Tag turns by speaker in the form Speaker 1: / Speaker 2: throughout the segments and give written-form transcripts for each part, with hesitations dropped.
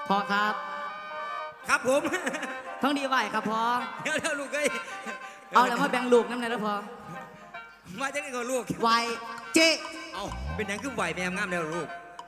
Speaker 1: พ่อครับ
Speaker 2: ครับผม
Speaker 1: ท้องดีไหวครับพ่อ
Speaker 2: เดี๋ยวลูกเอ้ย
Speaker 1: เอาแล้วมาแบ่งลูกน้ำหน่อยนะพ่อ
Speaker 2: มาจากไหนก่อนลูก
Speaker 1: ไหวเจ๊
Speaker 2: เอาเป็นหยังคือไหวแม่งามแล้วลูก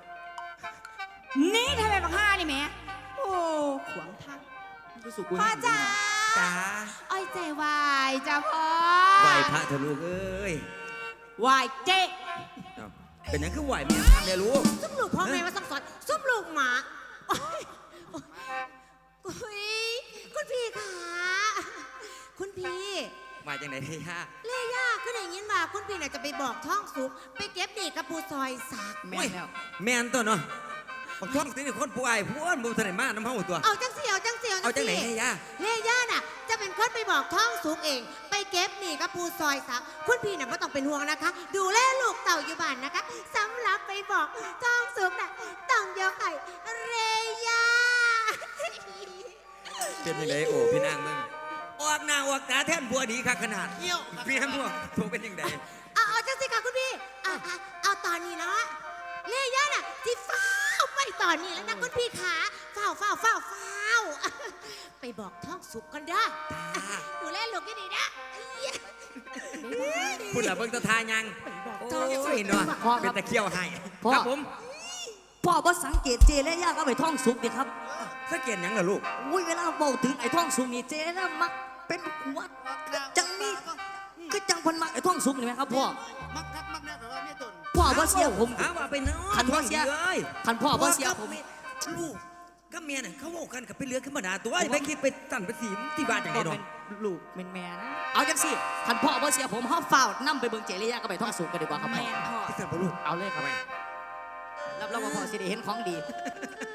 Speaker 3: นี่ทำไมบังห้านี่แม่โอ้ขวางทางพ่อจ๋า
Speaker 2: จ้า
Speaker 3: อ้อยใจวายจ้าพ่อ
Speaker 2: ไหวพระเถอะลูกเอ้ยว
Speaker 3: ายเจ๊
Speaker 2: เอาเป็นหยังคือไหวแม่งามแล้วลูก
Speaker 3: ซุ่มลูกพ่อแม่มาสั่งสอนซุ่มลูกหมาโอ๊ยโอ๊ยคุณพี่ค่ะคุณพี่
Speaker 2: มาจากไหนเฮีย
Speaker 3: เล่ย่าก็ได้ยินว่าคุณพี่น่ะจะไปบอกท้องสุกไปเก็บเด็กกระปูซอยสัก
Speaker 1: แม่แล้ว
Speaker 2: แม่นตัวเนาะบักท้องสินี่คนผู้อ้ายผู้อ้วนบ่ทันได้มาน้ำเฮาตัว
Speaker 3: เอาจังเสียวจังเสียว
Speaker 2: เอาจากไหนเฮีย
Speaker 3: เล่ย่าน่ะจะเป็นคนไปบอกท้องสุกเอง ไปเก็บหนีกระปูซอยสักคุณพี่น่ะไม่ต้องเป็นห่วงนะคะ ดูแลลูกเต่าอยู่บ้านนะคะสำหรับไปบอกท้องสุกน่ะต้องยกให้เรย่า
Speaker 2: เป็นยังไงโอ้พี่นางมึงออกหน้าออกตาแท่นบัวดีคักขนาดพี่นางบัวถูกเป็นยังไง
Speaker 3: เอาจังสิค่ะคุณพี่เอาตอนนี้เนาะเล่ย่าน่ะที่เฝ้าไปตอนนี้แล้วนะคุณพี่ขาเฝ้าไปบอกท้องสุกกันเด้อดูแลลูกให้ดีนะ
Speaker 2: พูดละเบิ่งตะทายังโอ้ยเนาะเป็นตะเคียวให้ครับผม
Speaker 1: พ่อบ่สังเกตเจและย่าก็ไปท่องสุกดิครับ
Speaker 2: สังเกตหยังล่ะลูก
Speaker 1: อุ้ยเวลาเบาถึงไอ้ท่องสุกนี่เจและมักเป็นหัวจังนี่ก็จังพันมักไอ้ท่องสุกนี่ไหมครับพ่อ
Speaker 4: มักคักมักแน่แต่ว่าไม่ตน
Speaker 1: พ่อบ่เสียผม
Speaker 2: หาว่าไปเนาะ
Speaker 1: คันพ่อเสีย
Speaker 2: เอ้ย
Speaker 1: คันพ่อบ่เสียผม
Speaker 2: ลูกก็เมียน่ะเขาบอกกันกับไปเรือขึ้นมาด่าตัวไปคิดไปตั้นไปสีที่บ้านอย่างไร
Speaker 1: บ่
Speaker 2: เนาะ
Speaker 1: เป็นลูกเป็นแม่นะเอาจังสิคันพ่อบ่เสียผมเฮาเฝ้านํไปเบิ่งเจและย่าก็ไปท่องสุกกันดีกว่าครับพ่อ
Speaker 2: ที่เกิดบ่ลูก
Speaker 1: เอาเลยครับรับรองว่าพ่อสิได้เห็นของดี